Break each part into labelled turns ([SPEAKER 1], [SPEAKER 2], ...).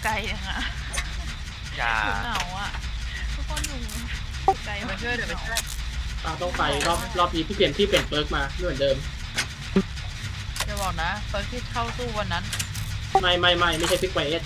[SPEAKER 1] ยังอ่ะ
[SPEAKER 2] อย่า
[SPEAKER 1] เหงาอ่ะทุกคนอยู่ไกล
[SPEAKER 3] เดี๋ยวไปช่วยเดี๋ยวไปช่วย
[SPEAKER 4] ต้องไปรอบนี้พี่เปลี่ยนเปิร์กมาไม่เหมือนเดิม
[SPEAKER 3] จะบอกนะเฟิร์สที่เข้าตู้วันนั้น
[SPEAKER 4] ไม่ใช่พิกไวเอส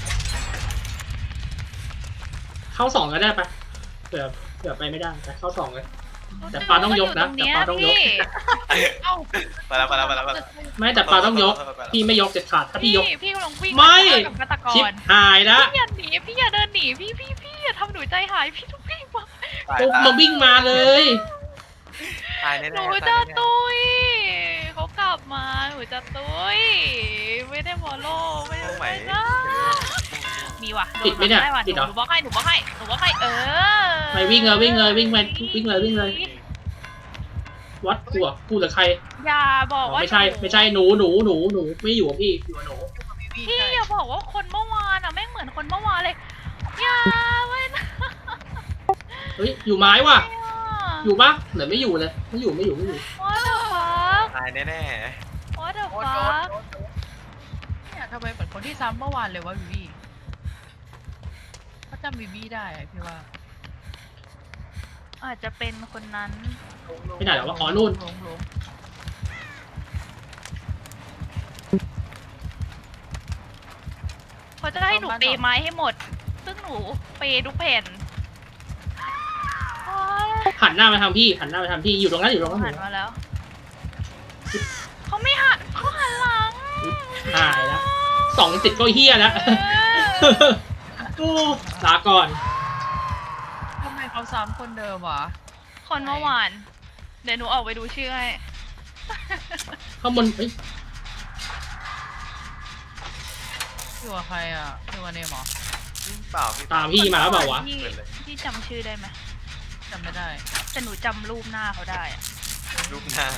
[SPEAKER 4] เข้า2ก็ได้ปะเผื่อไปไม่ได้แต่เข้า2เลย แต่ปลาต้องยกนะแต่ปลาต้องยก
[SPEAKER 3] เอ้า
[SPEAKER 2] ไปแล้ว
[SPEAKER 4] ไม่แต่ปลาต้องยกพี่ไม่ยกเด็ดขาดถ้าพี่ยก
[SPEAKER 1] พี่กำลังวิ่ง
[SPEAKER 4] ไม่
[SPEAKER 1] กับฆาตก
[SPEAKER 4] ชิป
[SPEAKER 1] ร
[SPEAKER 4] หายละ
[SPEAKER 1] พี่อย่าหนีพี่อย่าเดินหนีพี่อย่าทำหนูใจหายพี่ต้องวิ่งมา
[SPEAKER 4] ปุ๊บมาวิ่งมาเลย
[SPEAKER 2] ตายแน่
[SPEAKER 1] หนูจะตุยเขากลับมาหนูจะตุยไม่ได้บอลโลไม่ได้ไม่ได้มีว่ะ
[SPEAKER 4] ติดไหมเนี่ย
[SPEAKER 1] ว่ะ
[SPEAKER 4] ติดเหรอ
[SPEAKER 1] หนูบอกให้
[SPEAKER 4] ไม่วิ่งเลยวิ่งเลยวัดกูหรือใคร
[SPEAKER 1] อย่าบอกว่า
[SPEAKER 4] ไม่ใช่หนูไม่อยู่กับพี่อยู่กับหนู
[SPEAKER 1] พี่อย่าบอกว่าคนเมื่อวานอ่ะแม่งเหมือนคนเมื่อวานเลยอย่าไม่นะ
[SPEAKER 4] เฮ้ยอยู่ไม้ว่ะอยู่ปะเหมือนไม่อยู่เลยไม่อยู่
[SPEAKER 1] What the fuck
[SPEAKER 2] ตายแน่
[SPEAKER 1] What the
[SPEAKER 3] โอ๊ต
[SPEAKER 1] fuck
[SPEAKER 3] เนี่ยทำไมเหมือนคนที่ซ้ำเมื่อวานเลยวะบีบี้เขาจำบีบี้ได้อะพี่ว่า
[SPEAKER 1] อาจจะเป็นคนนั้น
[SPEAKER 4] ไม่ได้หรอว่าอ๋อนู่น
[SPEAKER 3] หลง
[SPEAKER 1] เขาจะให้หนูเปย์ไม้ให้หมด ซึ่งหนูเปย์ทุกแผ่นโอ๊ย
[SPEAKER 4] หันหน้ามาทางพี่อยู่ตรงนั้น
[SPEAKER 1] หันมาแล้ว เขาไม่หันเขาหันหลัง
[SPEAKER 4] หายแล้ว2 ติดก็เฮียแล้วกูลาก่อน
[SPEAKER 3] ทำไมเขาซ้ำคนเดิมวะ
[SPEAKER 1] คนเมื่อวาน เดี๋ยวหนูออกไปดูชื่อให้
[SPEAKER 4] ข้างบนเอ้ย
[SPEAKER 3] อยู่กับใครอ่ะอยู่กับเนมเหรอ
[SPEAKER 2] ๆเปล่าพี่
[SPEAKER 4] ตามพี่มาแล้วเปล่าวะ
[SPEAKER 1] พี่พี่จำชื่อได้ไหม
[SPEAKER 3] จำไม่ได้
[SPEAKER 1] แต่หนูจำรูปหน้าเขาได้อะ
[SPEAKER 2] รูปหน้า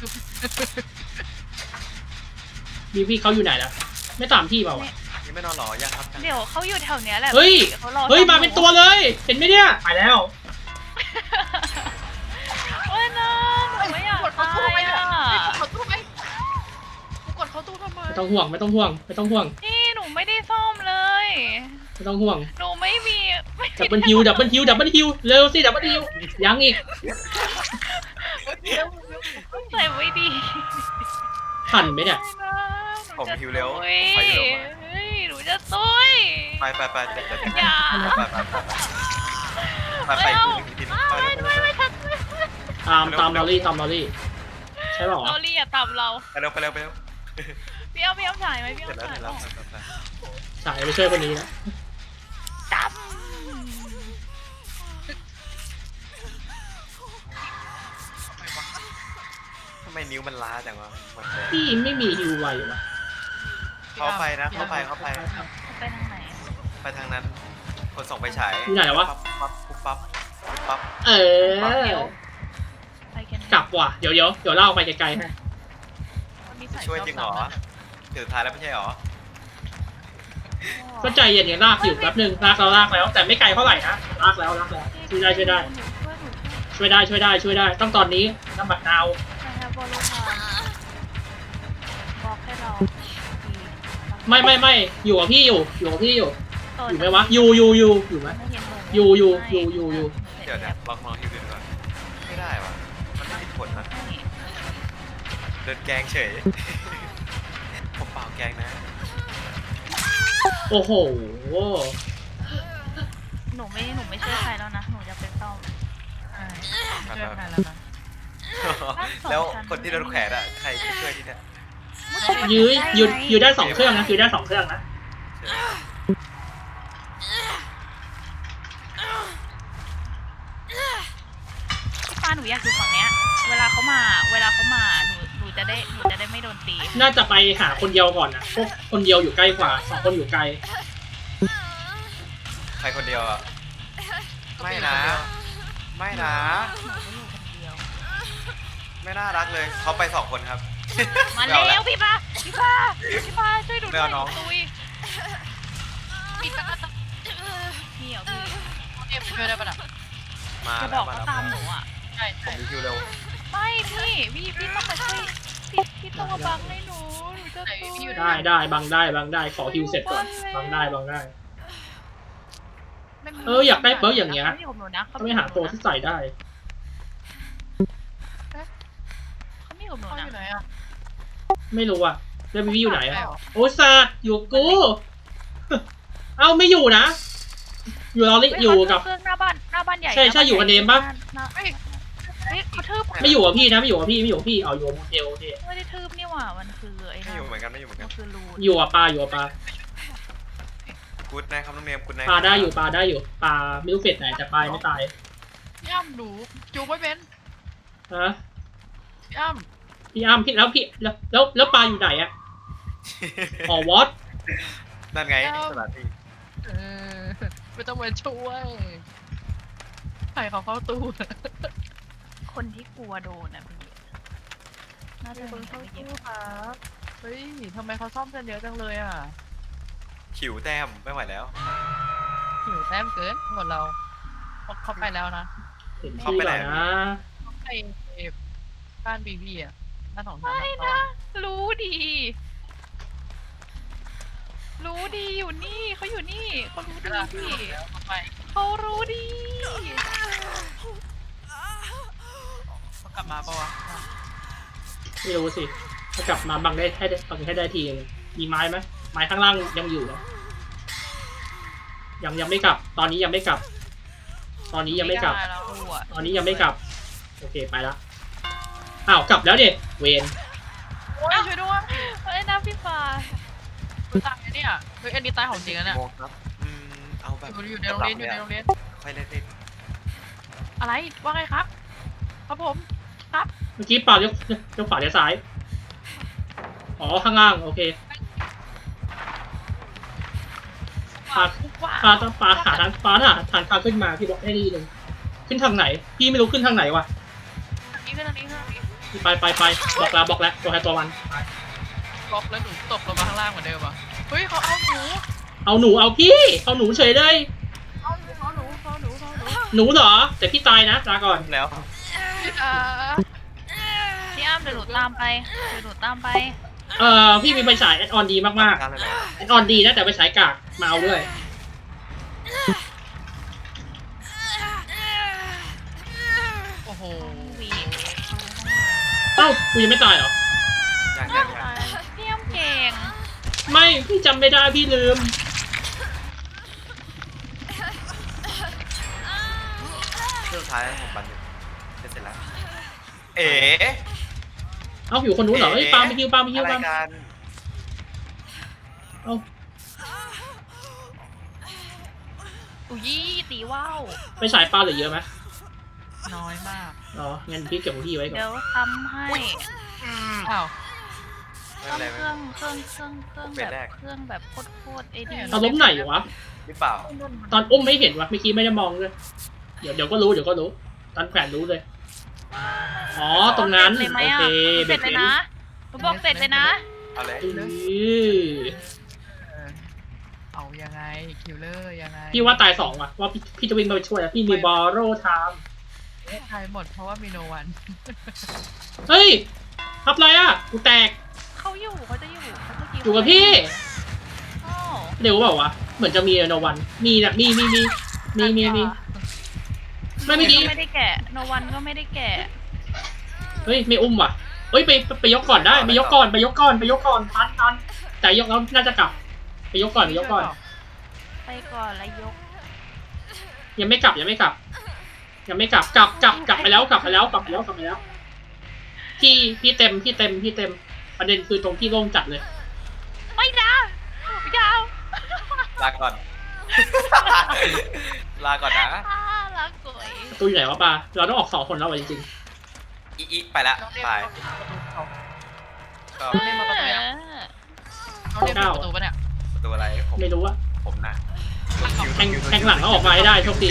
[SPEAKER 4] มีพี่เขาอยู่ไหนแล้วไม่ตามพี่เปล่าวะ
[SPEAKER 2] ยังไม่นอนหรอยังครับ
[SPEAKER 1] เดี๋ยวเขาอยู่แถวเนี้ยแหละ
[SPEAKER 4] เฮ้ย
[SPEAKER 1] เขารอ
[SPEAKER 4] เฮ้ย
[SPEAKER 1] ทำห
[SPEAKER 4] มาเป็นตัวเลยเห็นไหมเนี่ยไปแล้ว
[SPEAKER 1] โอ้ยนะหนูไม่อยาก
[SPEAKER 3] กดเขา
[SPEAKER 1] ตา
[SPEAKER 3] ตู้
[SPEAKER 1] ย
[SPEAKER 3] ไปเนี่ย
[SPEAKER 1] อ่ะ
[SPEAKER 3] กดเขาตู้ไปกดเขาตู้ทำไม
[SPEAKER 4] ไม่ต้องห่วง
[SPEAKER 1] นี่หนูไม่ได้ซ่อมเลย
[SPEAKER 4] ไม่ต้องห่วง
[SPEAKER 1] หนูไม่มี
[SPEAKER 4] ดับเบิลฮิวเร็วสิดับเบิลฮิวยังอีก
[SPEAKER 1] ใส่ไว้ดี
[SPEAKER 4] ทันไหมเนี่ย
[SPEAKER 2] ผมฮิวเร็ว
[SPEAKER 1] เฮ้
[SPEAKER 2] ไป
[SPEAKER 1] ย
[SPEAKER 2] เร็ว
[SPEAKER 1] หนูจะตุย
[SPEAKER 2] ไปเดี๋ยว
[SPEAKER 1] อย่า
[SPEAKER 2] ไป
[SPEAKER 1] ไม่ทัน
[SPEAKER 4] ตามลอรี่ใช่เปล่าวะ
[SPEAKER 1] เราเรียกตามเรา
[SPEAKER 2] ไปเร็ว
[SPEAKER 1] พี่เอาถ่ายไหมพี่
[SPEAKER 2] เสร็จ
[SPEAKER 1] เอา
[SPEAKER 2] แล้ว
[SPEAKER 1] ถ่าย
[SPEAKER 4] สายไปช่วยคนนี้นะ
[SPEAKER 1] จ
[SPEAKER 2] ทำไมนิ้วมันล้าจังวะ
[SPEAKER 4] พี่ไม่มีฮิวไววะ
[SPEAKER 2] เข้าไปนะเข้าไป
[SPEAKER 1] ำไปทางไหน
[SPEAKER 2] ไปทางนั้น คนส่งไปฉาย
[SPEAKER 4] อยู่ไหนวะ
[SPEAKER 2] ปั๊บ
[SPEAKER 4] เออ
[SPEAKER 1] ไปกัน
[SPEAKER 4] กลับว่ะเดี๋ยวเล่าไปไกลๆให้
[SPEAKER 2] ช่วยจริงเหรอถึงท้ายแล้วไม่ใช่เหรอ
[SPEAKER 4] ก็ใจเย็นๆลากอยู่แป๊บนึงลากแล้วแต่ไม่ไกลเท่าไหร่นะลากแล้วช่วยได้ต้องตอนนี้น้ำบัดนาว
[SPEAKER 1] บอลลูนบอกให้เรา
[SPEAKER 4] ไม่อยู่กับพี่อยู่ไหมวะอยู่ไหมอยู่
[SPEAKER 2] เดี๋ยวลองฮิวดูก่อนไม่ได้วะมันไม่มีผลนะเดินแกงเฉยผมเปล่าแกงนะ
[SPEAKER 4] โอ้โห
[SPEAKER 1] หนูไม่ช่วยใครแล้วนะหนูจะไปซ่อม
[SPEAKER 3] ใช่ช่วยกันแล้วนะ
[SPEAKER 2] แล้วคนที่โดนแขวนอ่ะใครที่ช่วยที่เนี่ย
[SPEAKER 4] ยื้อได้2 เครื่องนะนะ
[SPEAKER 1] พี่ป้าหนูอยากอยู่ฝั่งเนี้ยเวลาเขามาหนูจะได้ไม่โดนตี
[SPEAKER 4] น่าจะไปหาคนเดียวก่อนนะพวกคนเดียวอยู่ใกล้กว่า2 คนอยู่ไกล
[SPEAKER 2] ใครคนเดียวอ่ะไม่นะ
[SPEAKER 1] หนูก็อยู่คนเดียว
[SPEAKER 2] ไม่น่ารักเลยเขาไป2 คนครับ
[SPEAKER 1] มาแล้วพี่ป้าช่วยดู
[SPEAKER 2] ไม่เอาน้อง
[SPEAKER 1] ตุยพี่เหรอพี่
[SPEAKER 3] เอฟช่วยได้ปะน่ะ
[SPEAKER 2] มา
[SPEAKER 1] จะบ
[SPEAKER 2] แล้
[SPEAKER 1] อ
[SPEAKER 2] ว
[SPEAKER 1] ก
[SPEAKER 2] มา
[SPEAKER 1] เขา
[SPEAKER 2] แล้ว
[SPEAKER 1] ตามหนูอ่ะ
[SPEAKER 3] ใช่
[SPEAKER 2] ผมมีคิวเร็ว
[SPEAKER 1] ไม่พี่ต้องมาช่วยพี่ต้องมาบังให้หนูจะตุย
[SPEAKER 4] ได้บังได้ขอฮิวเสร็จก่อนบังได้อยากได้เปิร์กอย่างเงี้ย
[SPEAKER 1] เขาไม่อยู่กับหนูนะ
[SPEAKER 4] ถ้าไม่หาตัวที่ใส่ได้
[SPEAKER 1] เขาไม่อยู่กับหนู
[SPEAKER 3] เขาอ
[SPEAKER 1] นะ
[SPEAKER 3] ยู่ไหนอ่ะ
[SPEAKER 4] ไม่รู้อะแล้ววิวอยู่ไหนอะโอ้สัตว์อยู่กับกู เอ้าไม่อยู่นะ อยู่เราอยู่กับ
[SPEAKER 1] เครื่องหน้าบ้านใหญ่
[SPEAKER 4] ใช่อยู่กับเนมปะ
[SPEAKER 1] เฮ้ยเขาทืบ
[SPEAKER 4] ไม่อยู่กับพี่นะไม่อยู่กับพี่เอาอยู่กับโมเทลโอเค
[SPEAKER 1] ไม่ได้ทืบนี่หว่ามันคือไอ้
[SPEAKER 2] ไม่
[SPEAKER 1] นั่น
[SPEAKER 2] อยู่เหมือนกัน
[SPEAKER 1] มันคือรูน
[SPEAKER 4] อยู่กับปลา
[SPEAKER 2] กูดนะครับน้องเนมกูดนะ
[SPEAKER 4] ปลาได้อยู่ปลาไม่รู้เฟสไหนแต่ปลาไม่ตาย
[SPEAKER 3] พี่อ้ำหนูจูบไม่เป็น
[SPEAKER 4] ฮะ
[SPEAKER 3] พี่อ้ำ
[SPEAKER 4] พี่อ้ำแล้วปลาอยู่ไหนอะอ๋อวอต
[SPEAKER 2] นั่นไงสถานที่
[SPEAKER 3] ไม่ต้องมาช่วยใครเขาเข้าตู้
[SPEAKER 1] คนที่กลัวโดนนะพี่น่าจะ
[SPEAKER 3] คน
[SPEAKER 1] มี
[SPEAKER 3] เข้า
[SPEAKER 1] ไปเย
[SPEAKER 3] ตู้
[SPEAKER 1] อะ
[SPEAKER 3] ครับเฮ้ยทำไมเขาซ่อมกันเยอะจังเลยอ่ะ
[SPEAKER 2] ขิวแต้มไม่ไหวแล้ว
[SPEAKER 3] หิวแต้มเกินหมดเราเขาไปแล้วนะ
[SPEAKER 4] เห็นชื่อก่อนนะ
[SPEAKER 3] เขาไปบ้านบีบีอ่ะบ้านของฉัน
[SPEAKER 1] ไม่นะรู้ดีอยู่นี่เขาอยู่นี่เขารู้ดีพี่
[SPEAKER 3] เขาไป
[SPEAKER 1] เขารู้ดี
[SPEAKER 3] เขากลับมาปะวะ
[SPEAKER 4] ไม่รู้สิถ้ากลับมาบังได้ให้ได้ทีนึงมีไม้ไหมไม้ข้างล่างยังอยู่นะยังไม่กลับ ตอนนี้ยังไม่กลับ ตอนนี้ยังไม่กลับ
[SPEAKER 3] ด้แล้ว
[SPEAKER 1] กลัว
[SPEAKER 4] ตอนนี้ยังไม่กลับโอเคไปละอ้าวกลับแล้วเด็เวน
[SPEAKER 3] โอ้ยช่วยด้วย
[SPEAKER 1] เฮ้ยนะพี่ฟ้า
[SPEAKER 3] ตายเนี่ยเฮ้ยอันนี้ตายของจริงนะเนี่ย
[SPEAKER 2] โมงครับเอาแบบ
[SPEAKER 3] อยู่ในโรงเรียนอยู่ในโรงเรียน
[SPEAKER 2] ค่อยเล่น
[SPEAKER 3] อะไรว่าไงครับครับผม
[SPEAKER 4] เมื่อกี้ปาวยกขวาเลี้ยวซ้ายอ๋อข้างล่างโอเคปาหาทางขึ้นมาพี่บอกได้ดีเลยขึ้นทางไหนพี่ไม่รู้ขึ้นทางไหนวะ
[SPEAKER 1] นี่คือตรงนี้
[SPEAKER 4] ไปบอกแล้วตัวใครตัวมัน
[SPEAKER 3] ล็อกแล้วหนูตกลงมาข้างล่างเหมือนเดิมอ่ะเฮ้ยเขาเอาหนู
[SPEAKER 4] เอาหนูเอาพี่เอาหนูเฉยเลย
[SPEAKER 3] เอาหนู
[SPEAKER 4] หนูเหรอแต่พี่ตายนะลาก่อน
[SPEAKER 2] แล้ว
[SPEAKER 1] พี่อ้ำเดี๋ยวหนูตามไป
[SPEAKER 4] พี่มีไฟฉายแอดออนดีมาก
[SPEAKER 2] การอะไร
[SPEAKER 4] ๆแอดออนดีนะแต่ไฟฉายกากมาเอาด้วย
[SPEAKER 3] โอ้โห
[SPEAKER 4] เอ้ากูยังไม่ตายเหรอ
[SPEAKER 2] ยัง
[SPEAKER 1] พี่อ้ำเก่ง
[SPEAKER 4] ไม่พี่จำไม่ได้พี่ลืม
[SPEAKER 2] เครื่องสุดท้ายผมบันทึกเสร็จแล้วเอ๋
[SPEAKER 4] เอาอยู่คนนู้นเหรอเฮ้ยปาไปคิว
[SPEAKER 2] อะไรกัน
[SPEAKER 4] เอา
[SPEAKER 1] อุ้ยตีว่าว
[SPEAKER 4] ไฟฉายปลาเหลือเยอะไหม
[SPEAKER 3] น้อยมาก
[SPEAKER 4] อ๋องั้นพี่เก็บของพี่ไว้ก่อน
[SPEAKER 1] เดี๋ยวทำให้
[SPEAKER 3] อ้าว
[SPEAKER 2] ไม่
[SPEAKER 1] ต้
[SPEAKER 2] เป็
[SPEAKER 1] อน ง
[SPEAKER 2] ไร
[SPEAKER 1] เครื่องแบบโคตรไอ้นี่
[SPEAKER 4] เอาล้มไหนวะ
[SPEAKER 2] หรือเปล่า
[SPEAKER 4] ตอนอุ้มไม่เห็นวะเมื่อกี้ไม่ได้มองเลยเดี๋ยวก็รู้ตอนแขวนรู้เลยอ๋อตรงนั้น
[SPEAKER 1] เลยไหม
[SPEAKER 4] โอ
[SPEAKER 1] อ่ะ
[SPEAKER 4] เค
[SPEAKER 1] เสร็จเลยนะหนูบอกเสร็จเลยนะ
[SPEAKER 2] เอาเลย
[SPEAKER 3] เอายังไงคิวเลอร์ยังไง
[SPEAKER 4] พี่ว่าตาย2ว่ะว่าพี่จะวิ่งไปช่วยพี่มีบอโร่ไทม์
[SPEAKER 3] ตายหมดเพราะว่ามีโนวัน
[SPEAKER 4] เฮ้ยทับอะไรอ่ะกูแตก
[SPEAKER 1] เขาจะอยู่เขาจะ
[SPEAKER 4] อยู่กับพี่
[SPEAKER 1] อ้าว
[SPEAKER 4] เร็วเปล่าวะเหมือนจะมีโนวันมีนะมีไม่เมื่อกี้
[SPEAKER 1] ไม่ได้แกะโนวันก็ไม่ได้แกะ
[SPEAKER 4] เฮ้ยไม่อุ้มว่ะเฮ้ยไปยกก่อนได้ไปยกก่อนทันแต่ยกแล้วน่าจะกลับไปยกก่อน
[SPEAKER 1] ไปก่อนแล้วยก
[SPEAKER 4] ยังไม่กลับกลับไปแล้วพี่เต็มประเด็นคือตรงที่โล่งจัดเลย
[SPEAKER 1] ไม่นะยาว
[SPEAKER 2] ลาก่อน ลาก่อนนะ
[SPEAKER 1] รักสวย
[SPEAKER 4] ประตูอยู่ไหนวะปาเราต้องออก2คนแล้ววะจริง
[SPEAKER 2] อีไปละไปก็
[SPEAKER 3] เล่นมาประตูแล้วเขาเล่นประตูปะเนี่ย
[SPEAKER 2] ตัวอะไรผม
[SPEAKER 4] ๆไม่รู้อะ
[SPEAKER 2] ผมนะ
[SPEAKER 4] แทงหลังเขาออกมาให้ได้โชคดี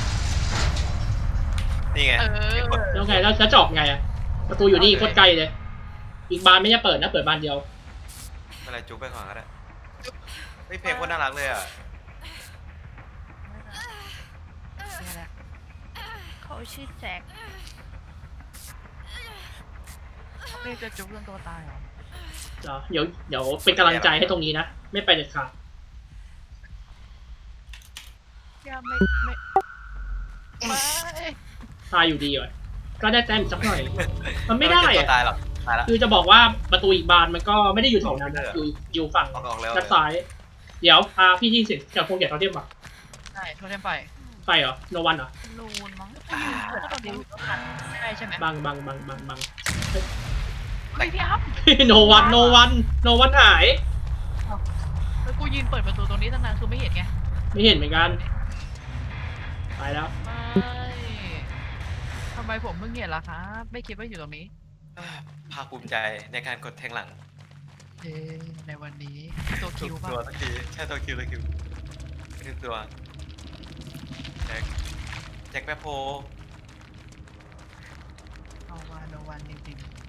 [SPEAKER 2] นี่ไง
[SPEAKER 4] แล้วไงแล้วจะออกไงอะประตูอยู่นี่โคตรไกลเลยอีกบานไม่จะเปิดนะเปิดบานเดียว
[SPEAKER 2] อะไรจุ๊บไปก่อนก็ได้เฮ้ยเพลงโคตรน่ารักเลยอ่ะ
[SPEAKER 1] เขาชื่อแจ็ค
[SPEAKER 3] นี่จะจุ๊บจนตัวตายเหรอ
[SPEAKER 4] เหรอเดี๋ยวเป็นกำลังใจให้ตรงนี้นะ ไม่ไปเด็ดขาด
[SPEAKER 1] ยังไม่
[SPEAKER 3] ไม่
[SPEAKER 4] ตายอยู่ดีว่ะก็ได้แต้มอีกสักหน่อย มันไม่ได้
[SPEAKER 2] ตัว
[SPEAKER 4] อะ
[SPEAKER 2] ตายหรอกตายแล้ว
[SPEAKER 4] คือจะบอกว่าประตูอีกบานมันก็ไม่ได้อยู่แถวนั้นนะอยู่ฝั่ง
[SPEAKER 2] ออกแล้ว
[SPEAKER 4] ด้านซ้าย เดี๋ยวพาพี่ที่เสร็จจากพวกแกเขาเทียบป่ะ
[SPEAKER 3] ใช่โทษเทมไฟ
[SPEAKER 4] ไปเหรอโนวันเหรอ
[SPEAKER 1] รูนมั้ง
[SPEAKER 3] ก็ตอนนี้ใช่ใช่ไหม
[SPEAKER 4] บัง
[SPEAKER 1] เฮ้ยพี่อัพ
[SPEAKER 4] โนวันหาย
[SPEAKER 3] แล้วกูยืนเปิดประตูตรงนี้ตั้งนานคือไม่เห็นไง
[SPEAKER 4] ไม่เห็นเหมือนกันไปแล้ว
[SPEAKER 3] ไม่ทำไมผมเพิ่งเห็นล่ะครับไม่คิดว่าอยู่ตรงนี้
[SPEAKER 2] ภาคภูมิใจในการกดแทงหลัง
[SPEAKER 3] ในวันนี้ตัวคิวป่ะ
[SPEAKER 2] ตัวสักทีใช่ตัวคิวคือตัวแจ็คแป๊บโพ
[SPEAKER 3] เอาวานโนวันจริงๆ